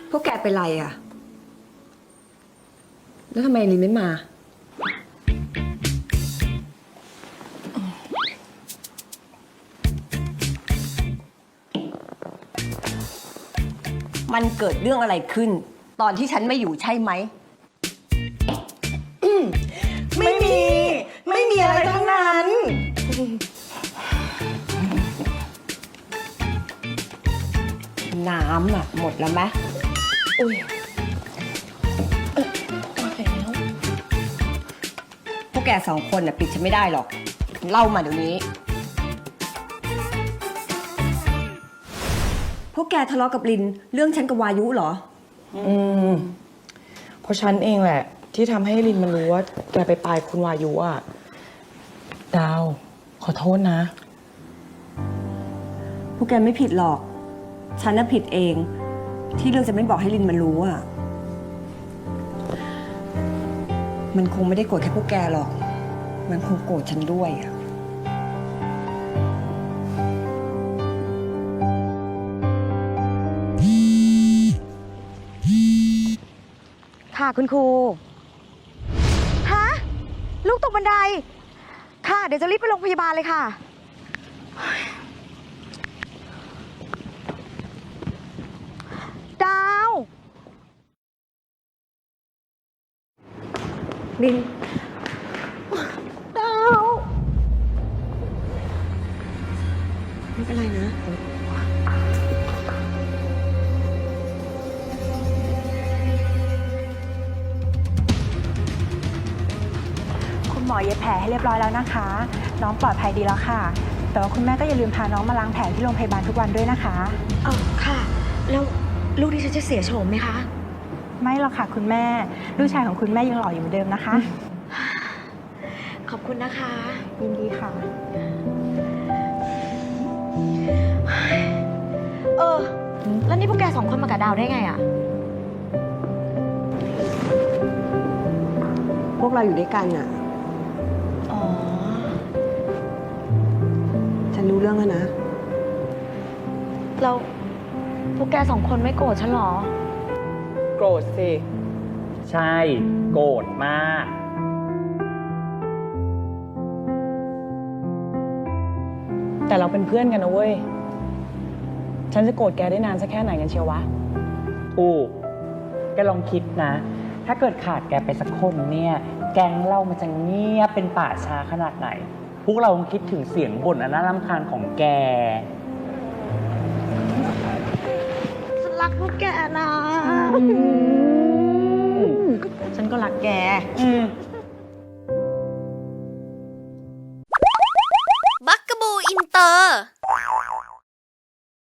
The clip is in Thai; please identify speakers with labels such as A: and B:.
A: พวกแกเป็นไรอ่ะ แล้วทำไมลินไม่มา มันเกิดเรื่องอะไรขึ้น ตอนที่ฉันไม่อยู่ใช่ไหม
B: ไม่มีอะไรทั้งนั้น
A: น้ำอ่ะ หมดแล้วไหม
B: อุ้ยหมดแล้ว
A: พวกแกสองคนน่ะปิดฉันไม่ได้หรอก เล่ามาเดี๋ยวนี้ พวกแกทะเลาะกับลินเรื่องฉันกับวายุเหรอ
B: เพราะฉันเองแหละ ที่ทำให้ลินมันรู้ว่าแกไปปลายคุณวายุอ่ะ ดาว ขอโทษนะ
A: พวกแกไม่ผิดหรอก ฉันน่ะผิดเอง ที่เรื่องจะไม่บอกให้ลินมันรู้อ่ะ มันคงไม่ได้โกรธแค่พวกแกหรอก มันคงโกรธฉันด้วยอ่ะ
C: ค่ะคุณครู ฮะ ลูกตกบันได ค่ะ เดี๋ยวจะรีบไปโรงพยาบาลเลยค่ะ ดาว
A: ลิน
C: ดาว
A: ไม่เป็นไรนะ
D: คุณหมอเย็บแผลให้เรียบร้อยแล้วนะคะ น้องปลอดภัยดีแล้วค่ะ แต่ว่าคุณแม่ก็อย่าลืมพาน้องมาล้างแผลที่โรงพยาบาลทุกวันด้วยนะคะ
C: ค่ะ แล้วลูกดิฉันจะเสียโฉมไหมคะ
D: ไม่หรอกค่ะคุณแม่ ลูกชายของคุณแม่ยังหล่ออยู่เหมือนเดิมนะคะ
C: ขอบคุณนะคะ
D: ยินดีค่ะ
C: แล้วนี่พวกแกสองคนมากับดาวได้ไงอะ
A: พวกเราอยู่ด้วยกันอ่ะ
C: อ๋อ
A: ฉันรู้เรื่องแล้วนะ
C: แล้วพวกแกสองคนไม่โกรธฉันเหรอ
B: โกรธสิ
E: ใช่ โกรธมาก
B: แต่เราเป็นเพื่อนกันนะเว้ย ฉันจะโกรธแกได้นานสักแค่ไหนกันเชียววะ
E: ถูก แกลองคิดนะ ถ้าเกิดขาดแกไปสักคนเนี่ย แก๊งเรามันจะเงียบเป็นป่าช้าขนาดไหน พวกเราคิดถึงเสียงบ่นอันน่ารำคาญของแก
C: ฉันรักพวกแกนะ ฉันก็รักแก
F: บักกะบูอินเตอร์